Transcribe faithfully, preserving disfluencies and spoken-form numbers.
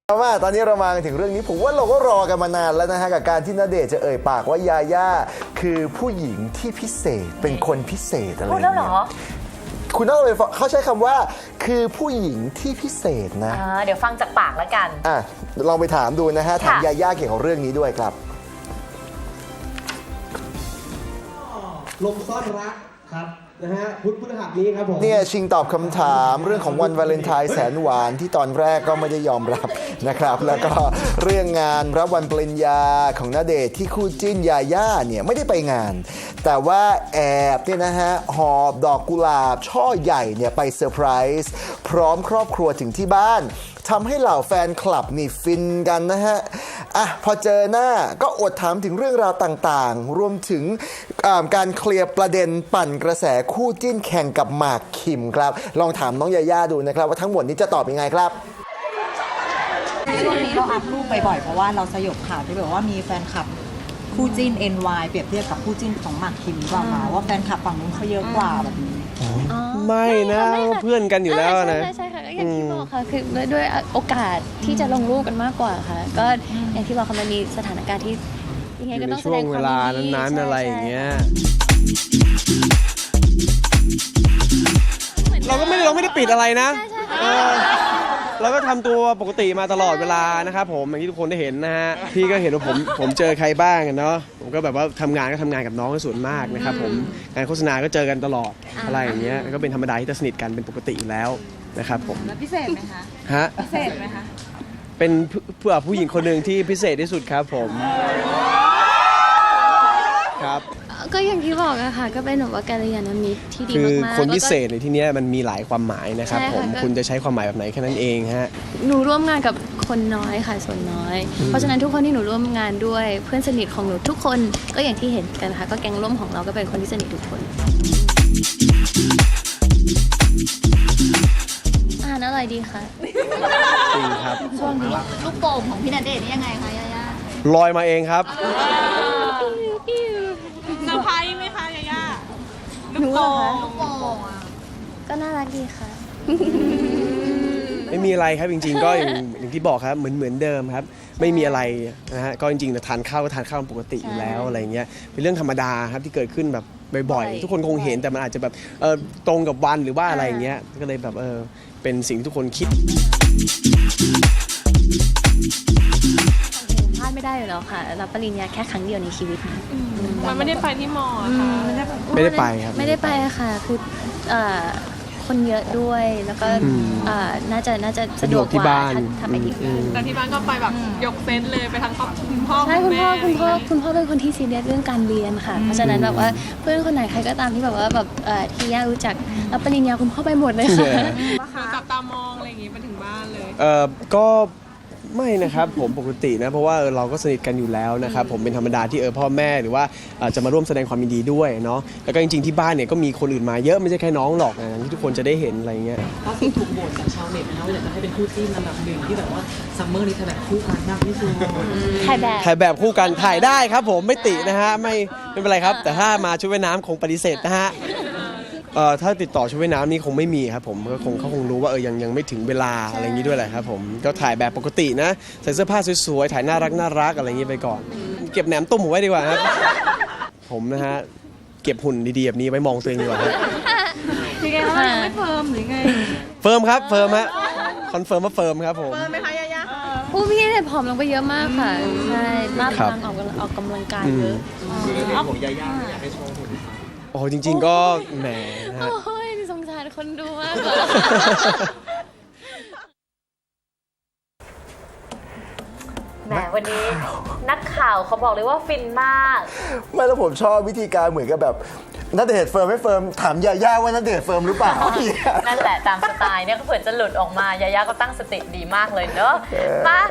ว่าตอนนี้เรามาถึงเรื่องนี้ผมว่าเราก็รอกันมานานแล้วนะฮะกับการที่ณเดชน์จะเอ่ยปากว่ายาย่าคือผู้หญิงที่พิเศษเป็นคนพิเศษอะไรพูดแล้วเหรอคุณต้องเลยเขาใช้คำว่าคือผู้หญิงที่พิเศษนะอ่าเดี๋ยวฟังจากปากแล้วกันอ่ะลองไปถามดูนะฮะถามค่ะยาย่าเกี่ยวกับเรื่องนี้ด้วยครับลมซ่อนรักครับนะฮะพุธพฤหัสนี้ครับผมเนี่ยชิงตอบคำถามเรื่องของวันวาเลนไทน์แสนหวานที่ตอนแรกก็ไม่ได้ยอมรับนะครับ แล้วก็เรื่องงานรับวันปริญญาของณเดชน์ที่คู่จิ้นยาย่าเนี่ยไม่ได้ไปงาน แต่ว่าแอบเนี่ยนะฮะหอบดอกกุหลาบช่อใหญ่เนี่ยไปเซอร์ไพรส์พร้อมครอบครัวถึงที่บ้านทำให้เหล่าแฟนคลับนี่ฟินกันนะฮะอ่ะพอเจอหน้าก็อดถามถึงเรื่องราวต่างๆ รวมถึงอ่าการเคลียร์ประเด็นปั่นกระแสคู่จิ้นแข่งกับหมากคิมครับลองถามน้องยาย่าดูนะครับว่าทั้งหมดนี้จะตอบยังไงครับช่วงนี้เราอัพรูปบ่อยๆเพราะว่าเราสยบข่าวที่แบบว่ามีแฟนคลับคู่จิ้น เอ็น วาย เปรียบเทียบกับคู่จิ้นของหมากคิมว่ามาว่าแฟนคลับฝั่งนู้นเขาเยอะกว่าแบบนี้ไม่นะเพื่อนกันอยู่แล้วนะใช่ใช่ค่ะก็อย่างที่บอกค่ะคือด้วยด้วยโอกาสที่จะลงรูปกันมากกว่าค่ะ ก็อย่างที่บอกค่ะมันมีสถานการณ์ที่ยังไงอยู่ก็ในต้องแสช่วดงงคเววามลายินดีนั้นๆใช่อะไรอย่างเงี้ยใช่เราก็ไม่ได้เราไม่ได้ปิดอะไรนะใช่ใช่เออเราก็ทำตัวปกติมาตลอดเวลานะครับผมอย่างที่ทุกคนได้เห็นนะฮะพี่ก็เห็นว่าผมผมเจอใครบ้างอะเนาะผมก็แบบว่าทำงานก็ทำงานกับน้องส่วนมากนะครับผมงานโฆษณาก็เจอกันตลอดอะไรอย่างเงี้ยก็เป็นธรรมดาที่จะสนิทกันเป็นปกติอยู่แล้วนะครับผมแล้วพิเศษไหมคะฮะพิเศษไหมคะเป็นเพื่อผู้หญิงคนหนึ่งที่พิเศษที่สุดครับผมครับก็อย่างที่บอกอะค่ะ ก็เป็นแบบว่ากัลยาณมิตรที่ดีคือมากๆคนพิเศแล้วษในที่เนี้ยมันมีหลายความหมายนะครับใช่ผมค่ะก็คุณจะใช้ความหมายแบบไหนแค่นั้นเองฮะก็หนูร่วมงานกับคนน้อยค่ะส่วนน้อย เพราะฉะนั้นทุกคนที่หนูร่วมงานด้วยเพื่อนสนิทของหนูทุกคนก็อย่างที่เห็นกันค่ะก็แก๊งร่วมของเราก็เป็นคนที่สนิททุกคนอาหารอร่อยดีค่ะจริงครับช่วงนี้ลูกโป่งของพี่ณเดชน์นี่ยังไงคะยาย่าลอยมาเองครับเซอร์ไพรส์ไหมคะยาย่าหนูเหรอคะลูกโป่งอะก็น่ารักดีค่ะไม่มีอะไรครับจริงๆ ก็อย่างอย่างที่บอกครับเหมือนเหมือนเดิมครับ ไม่มีอะไรนะฮะก็จริงๆแต่ทานข้าวก็ทานข้าวปกติอยู่แล้วอะไรเงี้ยเป็นเรื่องธรรมดาครับที่เกิดขึ้นแบบบ่อยบ่อยๆ ทุกคนคงเห็นแต่มันอาจจะแบบเออตรงกับวันหรือว่าอะไรอย่างเงี้ยก็เลยแบบเออเป็นสิ่งที่ทุกคนคิดพลาดไม่ได้อยู่แล้วค่ะรับปริญญาแค่ครั้งเดียวในชีวิตนะมันไม่ได้ไปที่มอค่ะไม่ได้ไปครับไม่ได้ไปอะค่ะ คือเอ่อคนเยอะด้วย แล้วก็อืมเอ่อน่าจะน่าจะสะดวกที่กว่าบ้านถ้าถ้าไปที่อือื่นมแต่ที่บ้านก็ไปแบบยกเซตเลยไปทั้งครอบคุณพ่อใช่คุณพ่อคุณพ่อแม่คุณพ่อเป็นคนที่ซีเรียสเรื่องการเรียนค่ะ เพราะฉะนั้นแบบว่าเพื่อนคนไหนใครก็ตามที่แบบว่าแบบเอ่อที่ย่ารู้จักรับปริญญาคุณพ่อไปหมดเลยค่ะคือจับตามองอะไรอย่างงี้ไปถึงบ้านเลยเอ่อก็ไม่นะครับผมปกตินะเพราะว่าเออเราก็สนิทกันอยู่แล้วนะครับผมเป็นธรรมดาที่เออพ่อแม่หรือว่าเอ่อจะมาร่วมแสดงความยินดีด้วยเนาะแล้วก็จริงๆที่บ้านเนี่ยก็มีคนอื่นมาเยอะไม่ใช่แค่น้องหรอกนะที่ทุกคนจะได้เห็นอะไรเงี้ยล่าสุดถูกโหวตจากชาวเน็ตนะว่าอยากจะให้เป็นคู่จิ้นอันดับหนึ่งที่แบบว่าซัมเมอร์นี้ถ่ายแบบคู่กันมากที่สุดถ่ายแบบถ่ายแบบคู่กันถ่ายได้ครับผมไม่ตินะฮะไม่ไม่เป็นไรครับ แต่ถ้ามาชุดว่ายน้ำคงปฏิเสธนะฮะเอ่อถ้าติดต่อชุดว่ายน้ำนี่คงไม่มีครับผมก็คงเขาคงรู้ว่าเออยังยังไม่ถึงเวลาอะไรอย่างนี้ด้วยแหละครับผมก็ถ่ายแบบปกตินะใส่เสื้อผ้าสวยๆถ่ายน่ารักน่ารักอะไรอย่างนี้ไปก่อน เก็บแหนมตุ้มผมไว้ดีกว่าครับผมนะฮะเก็บหุ่นดีๆแบบนี้ไว้มองตัวเองดีกว่าครับยังไงคะยังไม่เฟิร์มหรือไงเฟิร์มครับเฟิร์มฮะคอนเฟิร์มว่าเฟิร์มครับผมเฟิร์มไหมคะยาย่าผู้พี่เนี่ยผอมลงไปเยอะมากค่ะ ใช่มากครับพลังออกกำลังออกกำลังกายอืเยมอะโอ้จริง ๆ ก็แหมนะฮะโอ้ยสงสารคนดูมากกว่าแหมวันนี้นักข่าวเขาบอกเลยว่าฟินมากไม่แล้วผมชอบวิธีการเหมือนกับแบบณเดชน์เฟิร์มไม่เฟิร์มถามยาย่าว่าณเดชน์เฟิร์มหรือเปล่านั่นแหละตามสไตล์เนี่ยก็เผื่อจะหลุดออกมายาย่าก็ตั้งสติดีมากเลยเนอะมา